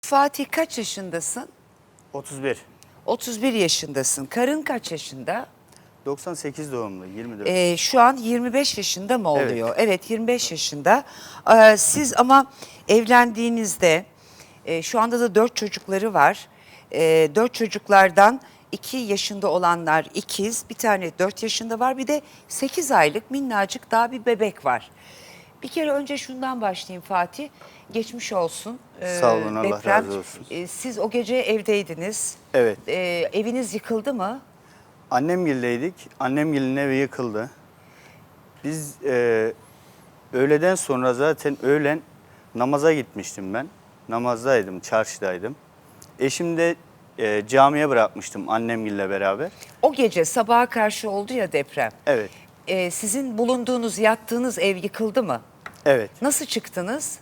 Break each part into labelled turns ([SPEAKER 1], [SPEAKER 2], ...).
[SPEAKER 1] Fatih kaç yaşındasın?
[SPEAKER 2] 31.
[SPEAKER 1] 31 yaşındasın. Karın kaç yaşında?
[SPEAKER 2] 98 doğumlu, 24.
[SPEAKER 1] Şu an 25 yaşında mı
[SPEAKER 2] Evet.
[SPEAKER 1] oluyor? Evet, 25 yaşında. Siz ama evlendiğinizde şu anda da 4 çocukları var. 4 çocuklardan 2 yaşında olanlar ikiz, bir tane 4 yaşında var, bir de 8 aylık minnacık daha bir bebek var. Bir kere önce şundan başlayayım Fatih. Geçmiş olsun.
[SPEAKER 2] Sağ olun, Allah
[SPEAKER 1] deprem.
[SPEAKER 2] razı olsun.
[SPEAKER 1] Siz o gece evdeydiniz.
[SPEAKER 2] Evet.
[SPEAKER 1] Eviniz yıkıldı mı?
[SPEAKER 2] Annemgil'deydik. Annemgil'in evi yıkıldı. Biz öğleden sonra zaten öğlen namaza gitmiştim ben. Namazdaydım, çarşıdaydım. Eşim de camiye bırakmıştım annemgille beraber.
[SPEAKER 1] O gece sabaha karşı oldu ya deprem.
[SPEAKER 2] Evet,
[SPEAKER 1] Sizin bulunduğunuz, yattığınız ev yıkıldı mı?
[SPEAKER 2] evet.
[SPEAKER 1] Nasıl çıktınız?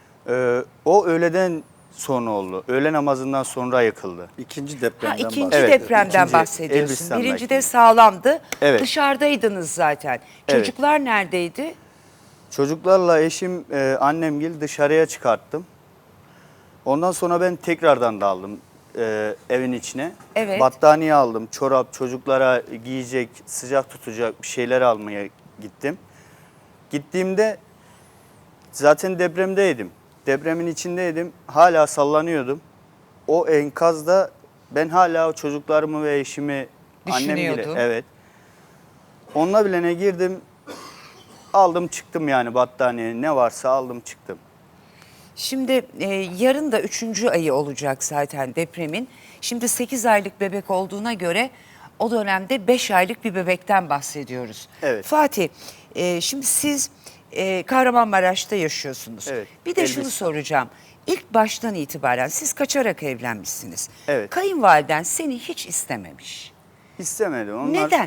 [SPEAKER 2] O öğleden sonra oldu. Öğle namazından sonra yıkıldı.
[SPEAKER 3] İkinci
[SPEAKER 1] Ha,
[SPEAKER 3] depremden
[SPEAKER 1] ikinci
[SPEAKER 3] bahsediyorum.
[SPEAKER 2] Evet,
[SPEAKER 1] depremden
[SPEAKER 2] ikinci
[SPEAKER 1] bahsediyorsun.
[SPEAKER 2] Elbistan'daki.
[SPEAKER 1] Birinci de sağlamdı.
[SPEAKER 2] Evet.
[SPEAKER 1] Dışarıdaydınız zaten.
[SPEAKER 2] Evet.
[SPEAKER 1] Çocuklar neredeydi?
[SPEAKER 2] Çocuklarla eşim, annemgil dışarıya çıkarttım. Ondan sonra ben tekrardan daldım evin içine.
[SPEAKER 1] Evet.
[SPEAKER 2] Battaniye aldım, çorap, çocuklara giyecek, sıcak tutacak bir şeyler almaya gittim. Gittiğimde zaten depremdeydim. Depremin içindeydim, hala sallanıyordum. O enkazda ben hala o çocuklarımı ve eşimi, annem bile,
[SPEAKER 1] Düşünüyordun.
[SPEAKER 2] evet. Onunla bilene girdim, aldım çıktım yani battaniye ne varsa aldım çıktım.
[SPEAKER 1] Şimdi yarın da 3. ayı olacak zaten depremin. Şimdi 8 aylık bebek olduğuna göre o dönemde 5 aylık bir bebekten bahsediyoruz.
[SPEAKER 2] Evet.
[SPEAKER 1] Fatih, şimdi siz Kahramanmaraş'ta yaşıyorsunuz.
[SPEAKER 2] Evet,
[SPEAKER 1] Bir de şunu
[SPEAKER 2] Elbistan.
[SPEAKER 1] soracağım. İlk baştan itibaren siz kaçarak evlenmişsiniz.
[SPEAKER 2] Evet.
[SPEAKER 1] Kayınvaliden seni hiç istememiş.
[SPEAKER 2] İstemedim. Onlar,
[SPEAKER 1] Neden?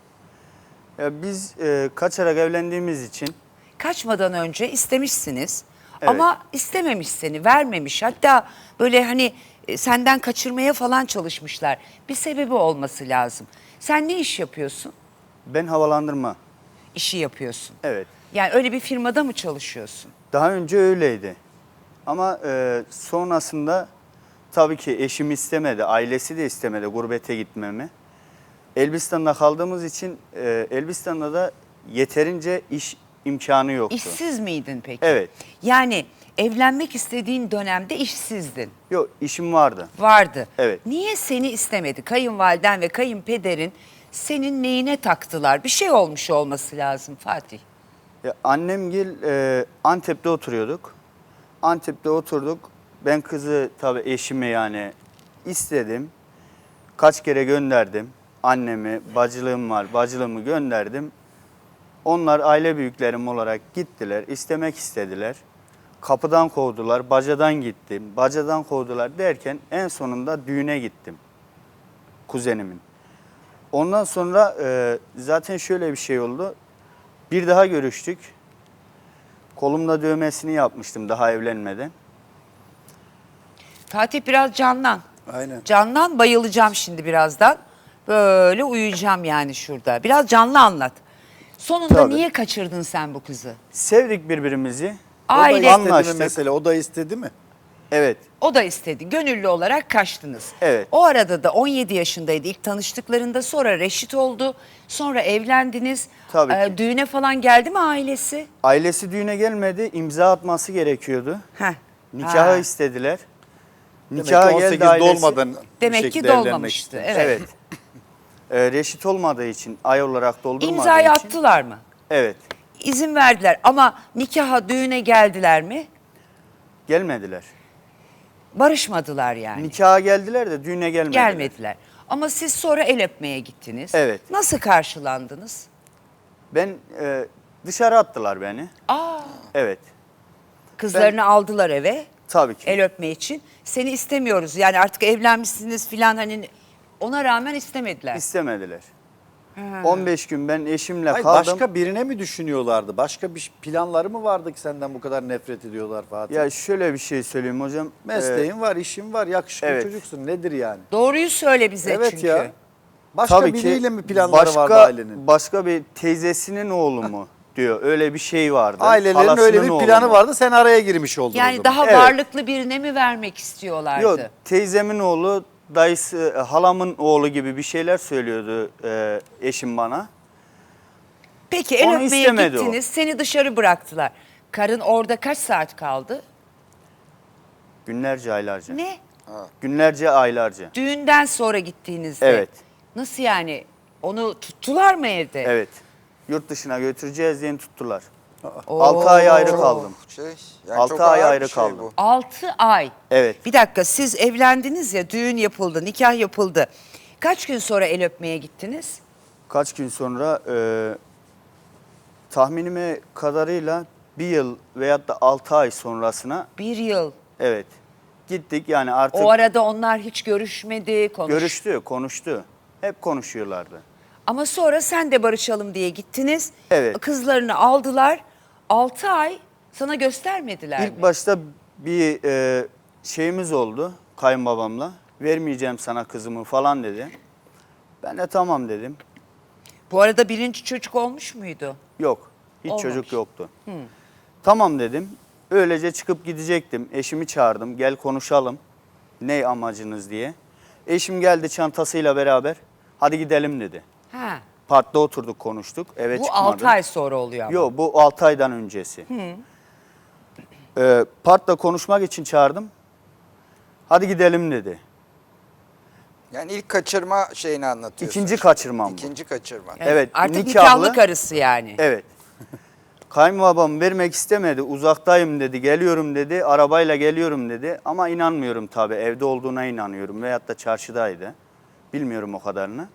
[SPEAKER 2] Ya biz kaçarak evlendiğimiz için
[SPEAKER 1] Kaçmadan önce istemişsiniz
[SPEAKER 2] Evet.
[SPEAKER 1] ama istememiş seni, vermemiş. Hatta böyle hani senden kaçırmaya falan çalışmışlar. Bir sebebi olması lazım. Sen ne iş yapıyorsun?
[SPEAKER 2] ben havalandırma.
[SPEAKER 1] İşi yapıyorsun.
[SPEAKER 2] Evet.
[SPEAKER 1] Yani öyle bir firmada mı çalışıyorsun?
[SPEAKER 2] Daha önce öyleydi. Ama sonrasında tabii ki eşim istemedi, ailesi de istemedi gurbete gitmemi. Elbistan'da kaldığımız için Elbistan'da da yeterince iş imkanı yoktu.
[SPEAKER 1] İşsiz miydin peki?
[SPEAKER 2] Evet.
[SPEAKER 1] Yani evlenmek istediğin dönemde işsizdin.
[SPEAKER 2] Yok, işim vardı.
[SPEAKER 1] Vardı.
[SPEAKER 2] Evet.
[SPEAKER 1] Niye seni istemedi? Kayınvaliden ve kayınpederin senin neyine taktılar? Bir şey olmuş olması lazım Fatih.
[SPEAKER 2] Ya, annemgil Antep'te oturuyorduk. Antep'te oturduk. Ben kızı tabii eşime yani istedim. Kaç kere gönderdim. Annemi, bacılığım var, bacılığımı gönderdim. Onlar aile büyüklerim olarak gittiler, istemek istediler. Kapıdan kovdular, bacadan gittim, bacadan kovdular derken en sonunda düğüne gittim. Kuzenimin. Ondan sonra zaten şöyle bir şey oldu. Bir daha görüştük. Kolumda dövmesini yapmıştım daha evlenmeden.
[SPEAKER 1] Fatih biraz canlan.
[SPEAKER 3] Aynen.
[SPEAKER 1] Canlan, bayılacağım şimdi birazdan. Böyle uyuyacağım yani şurada. Biraz canlı anlat. Sonunda
[SPEAKER 2] Tabii.
[SPEAKER 1] niye kaçırdın sen bu kızı?
[SPEAKER 2] Sevdik birbirimizi.
[SPEAKER 1] Aile-
[SPEAKER 3] O da istedi mi
[SPEAKER 2] Anlaştık.
[SPEAKER 3] mesela? O da istedi mi?
[SPEAKER 2] Evet,
[SPEAKER 1] O da istedi. Gönüllü olarak kaçtınız.
[SPEAKER 2] Evet.
[SPEAKER 1] O arada da 17 yaşındaydı ilk tanıştıklarında. Sonra reşit oldu. Sonra evlendiniz.
[SPEAKER 2] Tabii ki.
[SPEAKER 1] Düğüne falan geldi mi ailesi?
[SPEAKER 2] ailesi düğüne gelmedi, imza atması gerekiyordu.
[SPEAKER 1] Heh.
[SPEAKER 2] Nikahı
[SPEAKER 1] Ha.
[SPEAKER 2] istediler.
[SPEAKER 3] Demek
[SPEAKER 2] Nikaha
[SPEAKER 3] ki 18
[SPEAKER 2] geldi ailesi.
[SPEAKER 3] dolmadan bir
[SPEAKER 1] Demek ki
[SPEAKER 3] şekilde evlenmek
[SPEAKER 1] dolmamıştı.
[SPEAKER 3] istemiş.
[SPEAKER 1] Evet.
[SPEAKER 2] Evet. Reşit olmadığı için, ay olarak doldurmadığı
[SPEAKER 1] İmzayı
[SPEAKER 2] için.
[SPEAKER 1] attılar mı?
[SPEAKER 2] Evet,
[SPEAKER 1] İzin verdiler ama nikaha, düğüne geldiler mi?
[SPEAKER 2] gelmediler.
[SPEAKER 1] Barışmadılar yani.
[SPEAKER 2] Nikaha geldiler de düğüne gelmediler.
[SPEAKER 1] Gelmediler. Ama siz sonra el öpmeye gittiniz.
[SPEAKER 2] Evet.
[SPEAKER 1] Nasıl karşılandınız?
[SPEAKER 2] Ben dışarı attılar beni.
[SPEAKER 1] Aa,
[SPEAKER 2] Evet,
[SPEAKER 1] kızlarını aldılar eve
[SPEAKER 2] tabii ki.
[SPEAKER 1] el öpme için. Seni istemiyoruz. Yani artık evlenmişsiniz filan, hani ona rağmen istemediler.
[SPEAKER 2] İstemediler. 15 gün ben eşimle
[SPEAKER 3] Hayır,
[SPEAKER 2] kaldım.
[SPEAKER 3] başka birine mi düşünüyorlardı? Başka bir planları mı vardı ki senden bu kadar nefret ediyorlar Fatih?
[SPEAKER 2] Ya şöyle bir şey söyleyeyim hocam.
[SPEAKER 3] Mesleğin var, işin var, yakışıklı
[SPEAKER 2] evet.
[SPEAKER 3] çocuksun. Nedir yani?
[SPEAKER 1] Doğruyu söyle bize
[SPEAKER 3] Evet
[SPEAKER 1] çünkü.
[SPEAKER 3] ya. Başka
[SPEAKER 2] Tabii ki
[SPEAKER 3] biriyle mi planları vardı ailenin?
[SPEAKER 2] başka bir teyzesinin oğlu mu? diyor. Öyle bir şey vardı.
[SPEAKER 3] Ailelerin
[SPEAKER 2] Halasının
[SPEAKER 3] öyle bir
[SPEAKER 2] oğlu
[SPEAKER 3] planı
[SPEAKER 2] mu?
[SPEAKER 3] vardı. Sen araya girmiş oldun o
[SPEAKER 1] Yani
[SPEAKER 3] zaman.
[SPEAKER 1] daha
[SPEAKER 2] Evet.
[SPEAKER 1] varlıklı birine mi vermek istiyorlardı?
[SPEAKER 2] Yok, teyzemin oğlu, dayısı, halamın oğlu gibi bir şeyler söylüyordu eşim bana.
[SPEAKER 1] Peki el
[SPEAKER 2] Onu
[SPEAKER 1] öpmeye
[SPEAKER 2] istemedi o.
[SPEAKER 1] gittiniz, seni dışarı bıraktılar. Karın orada kaç saat kaldı?
[SPEAKER 2] Günlerce, aylarca.
[SPEAKER 1] Ne?
[SPEAKER 2] Günlerce, aylarca.
[SPEAKER 1] Düğünden sonra gittiğinizde.
[SPEAKER 2] Evet.
[SPEAKER 1] Nasıl yani? Onu tuttular mı evde?
[SPEAKER 2] Evet. Yurt dışına götüreceğiz diye tuttular.
[SPEAKER 1] Oo.
[SPEAKER 2] 6 ay ayrı kaldım.
[SPEAKER 4] Yani
[SPEAKER 2] 6
[SPEAKER 4] çok
[SPEAKER 2] ay
[SPEAKER 4] ağır
[SPEAKER 2] ayrı
[SPEAKER 4] bir şey
[SPEAKER 2] kaldım.
[SPEAKER 4] bu.
[SPEAKER 1] 6 ay.
[SPEAKER 2] Evet.
[SPEAKER 1] Bir dakika, siz evlendiniz ya, düğün yapıldı, nikah yapıldı. Kaç gün sonra el öpmeye gittiniz?
[SPEAKER 2] Kaç gün sonra tahminime kadarıyla 1 yıl veyahut da 6 ay sonrasına,
[SPEAKER 1] 1 yıl.
[SPEAKER 2] evet, gittik yani artık.
[SPEAKER 1] O arada onlar hiç görüşmedi,
[SPEAKER 2] Görüştü, konuştu. Hep konuşuyorlardı.
[SPEAKER 1] Ama sonra sen de barışalım diye gittiniz.
[SPEAKER 2] Evet.
[SPEAKER 1] Kızlarını aldılar. 6 ay sana göstermediler mi?
[SPEAKER 2] İlk başta bir şeyimiz oldu kayınbabamla. Vermeyeceğim sana kızımı falan dedi. Ben de tamam dedim.
[SPEAKER 1] Bu arada birinci çocuk olmuş muydu?
[SPEAKER 2] Yok, hiç
[SPEAKER 1] Olmamış.
[SPEAKER 2] çocuk yoktu. Tamam dedim. Öylece çıkıp gidecektim. Eşimi çağırdım. Gel konuşalım. Ne amacınız diye. Eşim geldi çantasıyla beraber. Hadi gidelim dedi.
[SPEAKER 1] Ha.
[SPEAKER 2] Parkta oturduk, konuştuk. Eve
[SPEAKER 1] Bu
[SPEAKER 2] çıkmadı.
[SPEAKER 1] 6 ay sonra oluyor ama.
[SPEAKER 2] Yok, bu 6 aydan öncesi. Parkta konuşmak için çağırdım. Hadi gidelim dedi.
[SPEAKER 4] Yani ilk kaçırma şeyini anlatıyorsun.
[SPEAKER 2] İkinci kaçırmam bu.
[SPEAKER 4] İkinci kaçırma.
[SPEAKER 2] Evet,
[SPEAKER 1] Artık
[SPEAKER 2] nikahlı.
[SPEAKER 1] nikahlı karısı yani.
[SPEAKER 2] Evet. Kayınbabam vermek istemedi. Uzaktayım dedi. Geliyorum dedi. Arabayla geliyorum dedi. Ama inanmıyorum tabii. Evde olduğuna inanıyorum. Veyahut da çarşıdaydı. Bilmiyorum o kadarını.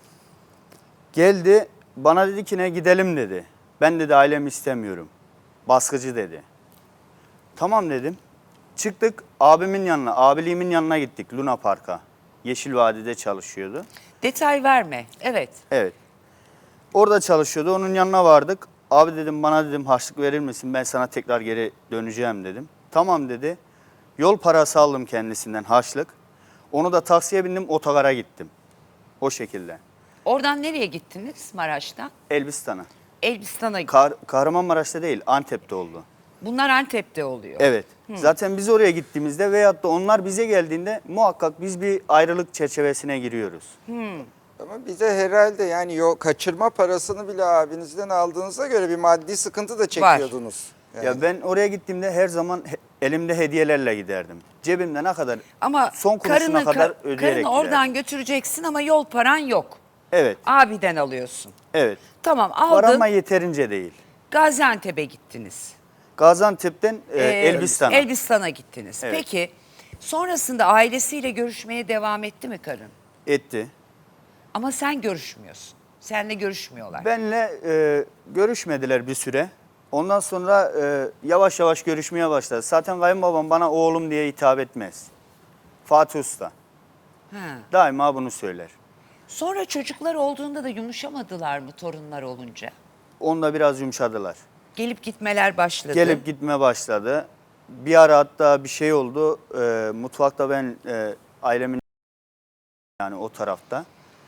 [SPEAKER 2] Geldi. Bana dedi ki ne, gidelim dedi. Ben dedi ailemi istemiyorum. Baskıcı dedi. Tamam dedim. Çıktık abimin yanına, abiliğimin yanına gittik Luna Park'a. Yeşil Vadi'de çalışıyordu.
[SPEAKER 1] Detay verme. Evet.
[SPEAKER 2] Evet. Orada çalışıyordu. Onun yanına vardık. Abi dedim, bana dedim harçlık verir misin? Ben sana tekrar geri döneceğim dedim. Tamam dedi. Yol parası aldım kendisinden, harçlık. Onu da taksiye bindim, otogara gittim. O şekilde.
[SPEAKER 1] Oradan nereye gittiniz Maraş'tan?
[SPEAKER 2] Elbistan'a.
[SPEAKER 1] Elbistan'a.
[SPEAKER 2] Kahramanmaraş'ta değil, Antep'te oldu.
[SPEAKER 1] Bunlar Antep'te oluyor.
[SPEAKER 2] Evet. Zaten biz oraya gittiğimizde veyahut da onlar bize geldiğinde muhakkak biz bir ayrılık çerçevesine giriyoruz.
[SPEAKER 4] Ama bize herhalde yani kaçırma parasını bile abinizden aldığınıza göre bir maddi sıkıntı da çekiyordunuz. Yani.
[SPEAKER 2] Ya ben oraya gittiğimde her zaman elimde hediyelerle giderdim. Cebimde ne kadar,
[SPEAKER 1] Ama
[SPEAKER 2] son kuruşuna kadar ödeyerek
[SPEAKER 1] karını oradan
[SPEAKER 2] giderdim.
[SPEAKER 1] götüreceksin ama yol paran yok.
[SPEAKER 2] Evet,
[SPEAKER 1] Abiden alıyorsun.
[SPEAKER 2] evet.
[SPEAKER 1] Tamam,
[SPEAKER 2] Var
[SPEAKER 1] aldın.
[SPEAKER 2] ama yeterince değil.
[SPEAKER 1] Gaziantep'e gittiniz.
[SPEAKER 2] Gaziantep'ten Elbistan'a.
[SPEAKER 1] Elbistan'a gittiniz.
[SPEAKER 2] Evet.
[SPEAKER 1] Peki sonrasında ailesiyle görüşmeye devam etti mi karın?
[SPEAKER 2] Etti.
[SPEAKER 1] Ama sen görüşmüyorsun. Seninle görüşmüyorlar.
[SPEAKER 2] Benle görüşmediler bir süre. Ondan sonra yavaş yavaş görüşmeye başladı. Zaten kayınbabam bana oğlum diye hitap etmez. Fatih Usta.
[SPEAKER 1] Ha.
[SPEAKER 2] Daima bunu söyler.
[SPEAKER 1] Sonra çocuklar olduğunda da yumuşamadılar mı torunlar olunca?
[SPEAKER 2] Onda biraz yumuşadılar.
[SPEAKER 1] Gelip gitmeler başladı.
[SPEAKER 2] Gelip gitme başladı. Bir ara hatta bir şey oldu. Mutfakta ben ailemin yani o tarafta.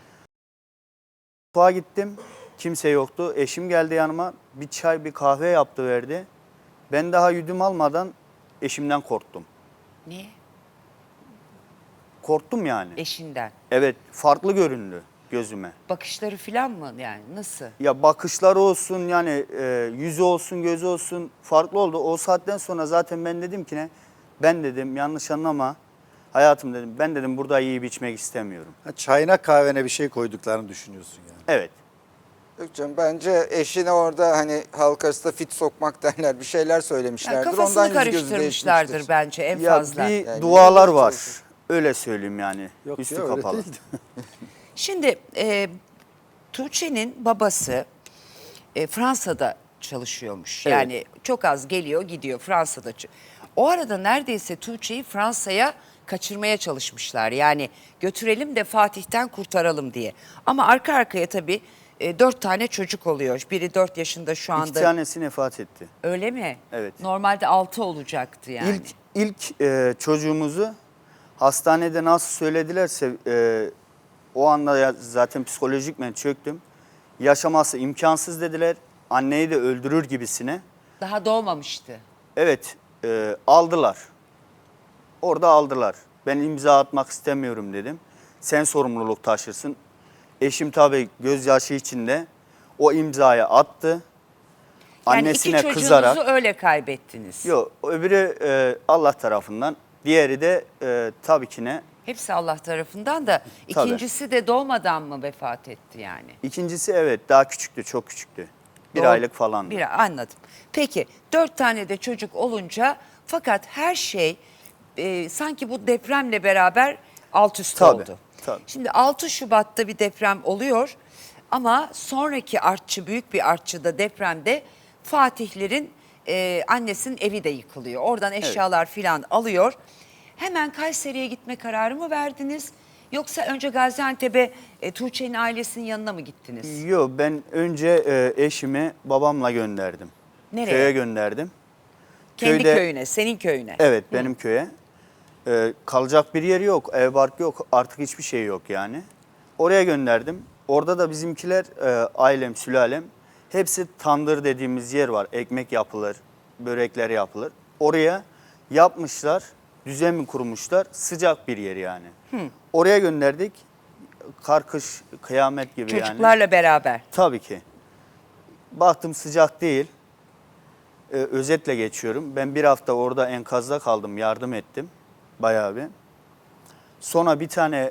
[SPEAKER 2] Mutfağa gittim. Kimse yoktu. Eşim geldi yanıma. Bir çay, bir kahve yaptı verdi. Ben daha yudum almadan eşimden korktum.
[SPEAKER 1] Niye?
[SPEAKER 2] Korktum yani.
[SPEAKER 1] Eşinden.
[SPEAKER 2] Evet, farklı göründü gözüme.
[SPEAKER 1] Bakışları falan mı yani nasıl?
[SPEAKER 2] Ya bakışları olsun yani yüzü olsun, gözü olsun farklı oldu. O saatten sonra zaten ben dedim ki ne? Ben dedim yanlış anlama. Hayatım dedim, ben dedim burada yiyip içmek istemiyorum.
[SPEAKER 3] Çayına kahvene bir şey koyduklarını düşünüyorsun yani.
[SPEAKER 2] Evet.
[SPEAKER 4] Yok canım, bence eşine orada hani halk arasında fit sokmak derler, bir şeyler söylemişlerdir.
[SPEAKER 1] Yani kafasını
[SPEAKER 4] Ondan yüzü gözü
[SPEAKER 1] karıştırmışlardır
[SPEAKER 4] değişmiştir.
[SPEAKER 1] bence en
[SPEAKER 2] Ya
[SPEAKER 1] fazla.
[SPEAKER 2] bir
[SPEAKER 4] Yani
[SPEAKER 2] dualar
[SPEAKER 4] öyle
[SPEAKER 2] var.
[SPEAKER 4] çalışıyor.
[SPEAKER 2] Öyle söyleyeyim yani.
[SPEAKER 3] Yok
[SPEAKER 2] Üstü
[SPEAKER 3] ya, öyle
[SPEAKER 2] kapalı.
[SPEAKER 3] değildi.
[SPEAKER 1] Şimdi Tuğçe'nin babası Fransa'da çalışıyormuş.
[SPEAKER 2] Evet.
[SPEAKER 1] Yani çok az geliyor gidiyor Fransa'da. O arada neredeyse Tuğçe'yi Fransa'ya kaçırmaya çalışmışlar. Yani götürelim de Fatih'ten kurtaralım diye. Ama arka arkaya tabii 4 tane çocuk oluyor. Biri 4 yaşında şu anda.
[SPEAKER 2] 2 tanesi vefat etti.
[SPEAKER 1] Öyle mi?
[SPEAKER 2] Evet.
[SPEAKER 1] Normalde 6 olacaktı yani.
[SPEAKER 2] İlk çocuğumuzu hastanede nasıl söyledilerse o anda zaten psikolojikmen çöktüm. Yaşaması imkansız dediler anneyi de öldürür gibisine.
[SPEAKER 1] Daha doğmamıştı.
[SPEAKER 2] Evet, aldılar. Orada aldılar. Ben imza atmak istemiyorum dedim. Sen sorumluluk taşırsın. Eşim tabii gözyaşı içinde o imzayı attı.
[SPEAKER 1] Yani
[SPEAKER 2] Annesine
[SPEAKER 1] iki çocuğunuzu
[SPEAKER 2] kızarak.
[SPEAKER 1] öyle kaybettiniz.
[SPEAKER 2] Yok, öbürü Allah tarafından. Diğeri de tabii ki ne?
[SPEAKER 1] Hepsi Allah tarafından da
[SPEAKER 2] Tabii.
[SPEAKER 1] ikincisi de doğmadan mı vefat etti yani?
[SPEAKER 2] İkincisi evet daha küçüktü, çok küçüktü. Bir
[SPEAKER 1] Doğ-
[SPEAKER 2] aylık falandı.
[SPEAKER 1] Anladım. Peki 4 tane de çocuk olunca fakat her şey sanki bu depremle beraber alt üst
[SPEAKER 2] Tabii,
[SPEAKER 1] oldu.
[SPEAKER 2] tabii.
[SPEAKER 1] Şimdi 6 Şubat'ta bir deprem oluyor ama sonraki artçı, büyük bir artçıda depremde Fatihlerin annesinin evi de yıkılıyor. Oradan eşyalar filan alıyor. Hemen Kayseri'ye gitme kararı mı verdiniz? Yoksa önce Gaziantep'e Tuğçe'nin ailesinin yanına mı gittiniz?
[SPEAKER 2] Yok, ben önce eşimi babamla gönderdim.
[SPEAKER 1] Nereye?
[SPEAKER 2] Köye gönderdim.
[SPEAKER 1] Kendi
[SPEAKER 2] Köyde-
[SPEAKER 1] köyüne, senin köyüne.
[SPEAKER 2] Evet, benim köye. Kalacak bir yeri yok, ev bark yok, artık hiçbir şey yok yani. Oraya gönderdim. Orada da bizimkiler, ailem, sülalem, hepsi tandır dediğimiz yer var. Ekmek yapılır, börekler yapılır. Oraya yapmışlar, düzen mi kurmuşlar, sıcak bir yer yani. Oraya gönderdik. Kar, kış, kıyamet gibi yani.
[SPEAKER 1] Çocuklarla beraber.
[SPEAKER 2] Tabii ki. Baktım sıcak değil. Özetle geçiyorum. Ben bir hafta orada enkazda kaldım, yardım ettim bayağı bir. Sonra bir tane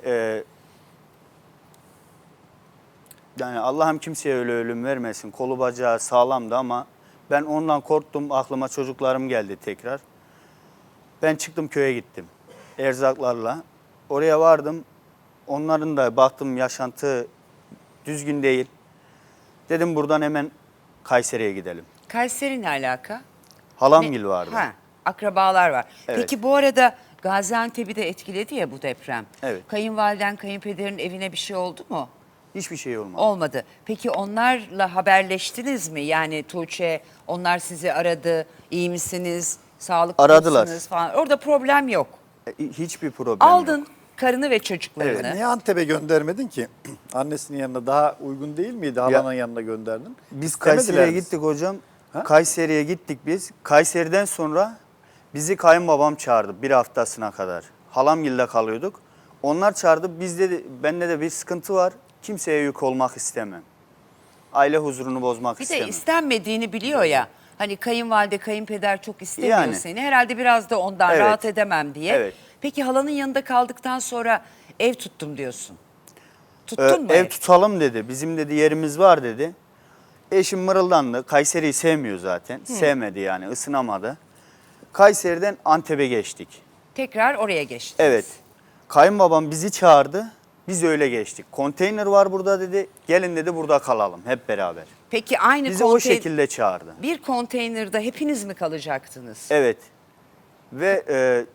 [SPEAKER 2] yani Allah'ım kimseye öyle ölüm vermesin. Kolu bacağı sağlamdı ama ben ondan korktum. Aklıma çocuklarım geldi tekrar. Ben çıktım köye gittim erzaklarla. Oraya vardım. Onların da baktım yaşantı düzgün değil. Dedim buradan hemen Kayseri'ye gidelim.
[SPEAKER 1] Kayseri ne alaka?
[SPEAKER 2] Halamgil vardı.
[SPEAKER 1] Ha, akrabalar var.
[SPEAKER 2] Evet.
[SPEAKER 1] Peki bu arada Gaziantep'i de etkiledi ya bu deprem.
[SPEAKER 2] Evet.
[SPEAKER 1] Kayınvaliden, kayınpederin evine bir şey oldu mu?
[SPEAKER 2] Hiçbir şey olmadı.
[SPEAKER 1] Olmadı. Peki onlarla haberleştiniz mi? Yani Tuğçe, onlar sizi aradı. İyi misiniz? Sağlıklı
[SPEAKER 2] Aradılar.
[SPEAKER 1] mısınız falan. Orada problem yok.
[SPEAKER 2] Hiçbir problem
[SPEAKER 1] Aldın
[SPEAKER 2] yok.
[SPEAKER 1] karını ve çocuklarını.
[SPEAKER 3] Niye Antep'e göndermedin ki? Annesinin yanına daha uygun değil miydi? Halanın yanına gönderdin.
[SPEAKER 2] Biz
[SPEAKER 3] İstemediler
[SPEAKER 2] Kayseri'ye
[SPEAKER 3] mi?
[SPEAKER 2] gittik hocam.
[SPEAKER 3] Ha?
[SPEAKER 2] Kayseri'ye gittik biz. Kayseri'den sonra bizi kayınbabam çağırdı bir haftasına kadar. Halamgil'de kalıyorduk. Onlar çağırdı. Bende de bir sıkıntı var. Kimseye yük olmak istemem. Aile huzurunu bozmak
[SPEAKER 1] Bir
[SPEAKER 2] istemem.
[SPEAKER 1] de istenmediğini biliyor ya. Hani kayınvalide, kayınpeder çok istemiyor
[SPEAKER 2] Yani.
[SPEAKER 1] seni. Herhalde biraz da ondan
[SPEAKER 2] Evet.
[SPEAKER 1] rahat edemem diye.
[SPEAKER 2] Evet.
[SPEAKER 1] Peki halanın yanında kaldıktan sonra ev tuttum diyorsun. Tuttun mu
[SPEAKER 2] Ev tutalım dedi. Bizim dedi yerimiz var dedi. Eşim mırıldandı. Kayseri'yi sevmiyor zaten. Sevmedi yani, ısınamadı. Kayseri'den Antep'e geçtik.
[SPEAKER 1] Tekrar oraya geçtiniz.
[SPEAKER 2] Evet. Kayınbabam bizi çağırdı. Biz öyle geçtik. Konteyner var burada dedi. Gelin dedi burada kalalım hep beraber.
[SPEAKER 1] Peki aynı
[SPEAKER 2] Bizi o şekilde çağırdı.
[SPEAKER 1] bir konteynerde hepiniz mi kalacaktınız?
[SPEAKER 2] Evet. Ve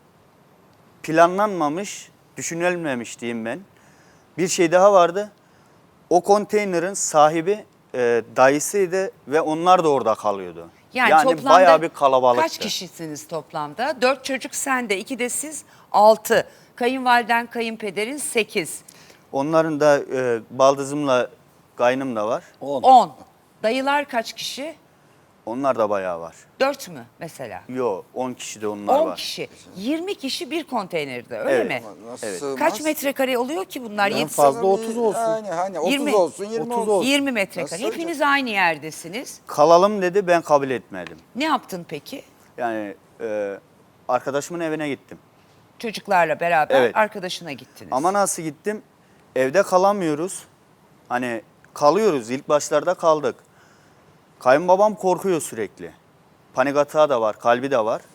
[SPEAKER 2] planlanmamış, düşünülmemiş diyeyim ben. Bir şey daha vardı. O konteynerin sahibi dayısıydı ve onlar da orada kalıyordu. Yani
[SPEAKER 1] toplamda
[SPEAKER 2] bayağı bir kalabalıktı.
[SPEAKER 1] kaç kişisiniz toplamda? 4 çocuk sende, 2 de siz 6. Kayınvaliden, kayınpederin 8.
[SPEAKER 2] Onların da baldızımla kaynım da var.
[SPEAKER 1] 10. Dayılar kaç kişi?
[SPEAKER 2] Onlar da bayağı var.
[SPEAKER 1] 4 mü mesela?
[SPEAKER 2] Yo 10 kişi de onlar
[SPEAKER 1] 10
[SPEAKER 2] var.
[SPEAKER 1] kişi. 20 kişi bir konteynerde öyle
[SPEAKER 2] Evet.
[SPEAKER 1] mi?
[SPEAKER 4] Nasıl
[SPEAKER 2] Evet.
[SPEAKER 4] sığmaz?
[SPEAKER 1] Kaç metrekare oluyor ki bunlar?
[SPEAKER 3] En
[SPEAKER 1] Yedi-
[SPEAKER 3] fazla 30 olsun.
[SPEAKER 4] Yani hani 30
[SPEAKER 1] 20.
[SPEAKER 4] olsun 20
[SPEAKER 3] 30
[SPEAKER 4] olsun.
[SPEAKER 1] 20 metrekare.
[SPEAKER 4] Nasıl
[SPEAKER 1] Hepiniz aynı yerdesiniz.
[SPEAKER 2] Kalalım dedi, ben kabul etmedim.
[SPEAKER 1] Ne yaptın peki?
[SPEAKER 2] Yani arkadaşımın evine gittim.
[SPEAKER 1] Çocuklarla beraber
[SPEAKER 2] Evet.
[SPEAKER 1] arkadaşına gittiniz.
[SPEAKER 2] Ama nasıl gittim? Evde kalamıyoruz. Hani kalıyoruz. İlk başlarda kaldık. Kayınbabam korkuyor sürekli. Panik atağı da var, kalbi de var.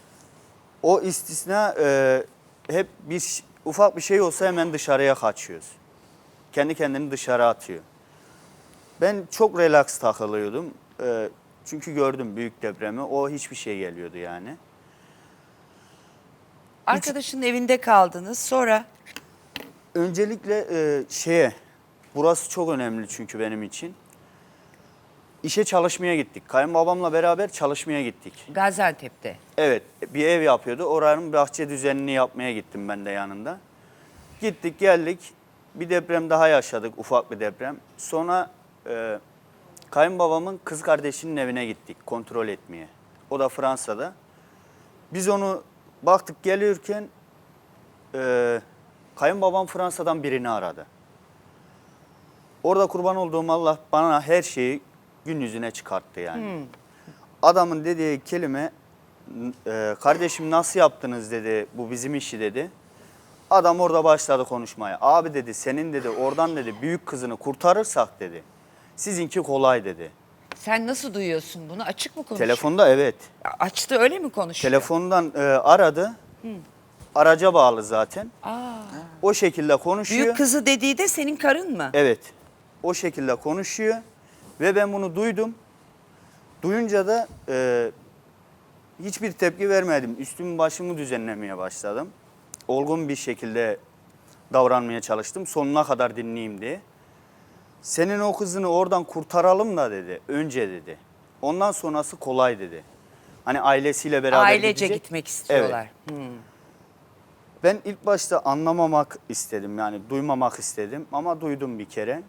[SPEAKER 2] O istisna hep ufak bir şey olsa hemen dışarıya kaçıyoruz. Kendi kendini dışarı atıyor. Ben çok relax takılıyordum. Çünkü gördüm büyük depremi. O hiçbir şey geliyordu yani.
[SPEAKER 1] Arkadaşının evinde kaldınız. Sonra
[SPEAKER 2] Öncelikle burası çok önemli çünkü benim için. İşe çalışmaya gittik. Kayınbabamla beraber çalışmaya gittik.
[SPEAKER 1] Gaziantep'te.
[SPEAKER 2] Evet, bir ev yapıyordu. Oranın bahçe düzenini yapmaya gittim ben de yanında. Gittik geldik. Bir deprem daha yaşadık, ufak bir deprem. Sonra Kayınbabamın kız kardeşinin evine gittik kontrol etmeye. O da Fransa'da. Biz onu baktık gelirken kayınbabam Fransa'dan birini aradı. Orada kurban olduğum Allah bana her şeyi gün yüzüne çıkarttı yani. Adamın dediği kelime kardeşim nasıl yaptınız dedi, bu bizim işi dedi. Adam orada başladı konuşmaya. Abi dedi senin dedi oradan dedi büyük kızını kurtarırsak dedi. Sizinki kolay dedi.
[SPEAKER 1] Sen nasıl duyuyorsun bunu? Açık mı konuşuyor?
[SPEAKER 2] Telefonda evet.
[SPEAKER 1] Açtı öyle mi konuşuyor?
[SPEAKER 2] Telefondan aradı. Araca bağlı zaten.
[SPEAKER 1] Aa.
[SPEAKER 2] O şekilde konuşuyor.
[SPEAKER 1] Büyük kızı dediği de senin karın mı?
[SPEAKER 2] Evet. O şekilde konuşuyor. Ve ben bunu duydum. Duyunca da hiçbir tepki vermedim. Üstümü başımı düzenlemeye başladım. Olgun bir şekilde davranmaya çalıştım. Sonuna kadar dinleyeyim diye. Senin o kızını oradan kurtaralım da dedi. Önce dedi. Ondan sonrası kolay dedi. Hani ailesiyle beraber
[SPEAKER 1] Ailece
[SPEAKER 2] gidecek.
[SPEAKER 1] gitmek istiyorlar.
[SPEAKER 2] Ben ilk başta anlamamak istedim yani duymamak istedim ama duydum bir kere.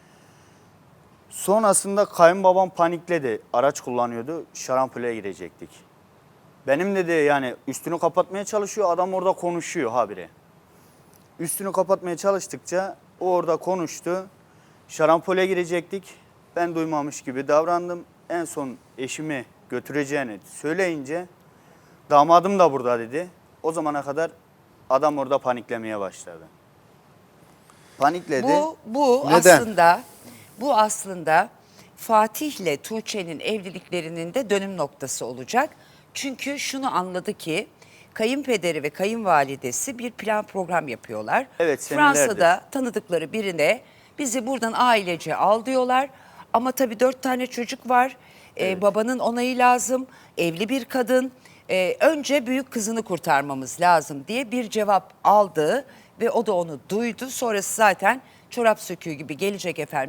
[SPEAKER 2] Sonrasında kayınbabam panikledi. Araç kullanıyordu. Şarampole girecektik. Benim dedi yani üstünü kapatmaya çalışıyor. Adam orada konuşuyor habire. Üstünü kapatmaya çalıştıkça o orada konuştu. Şarampole girecektik. Ben duymamış gibi davrandım. En son eşimi götüreceğini söyleyince damadım da burada dedi. O zamana kadar adam orada paniklemeye başladı. Panikledi.
[SPEAKER 1] Bu
[SPEAKER 3] Neden?
[SPEAKER 1] aslında Fatih'le Tuğçe'nin evliliklerinin de dönüm noktası olacak. Çünkü şunu anladı ki kayınpederi ve kayınvalidesi bir plan program yapıyorlar.
[SPEAKER 2] Evet, senelerdir.
[SPEAKER 1] Fransa'da tanıdıkları birine bizi buradan ailece al diyorlar. Ama tabii 4 tane çocuk var. Babanın onayı lazım. Evli bir kadın. Önce büyük kızını kurtarmamız lazım diye bir cevap aldı ve o da onu duydu. Sonrası zaten çorap söküğü gibi gelecek efendim.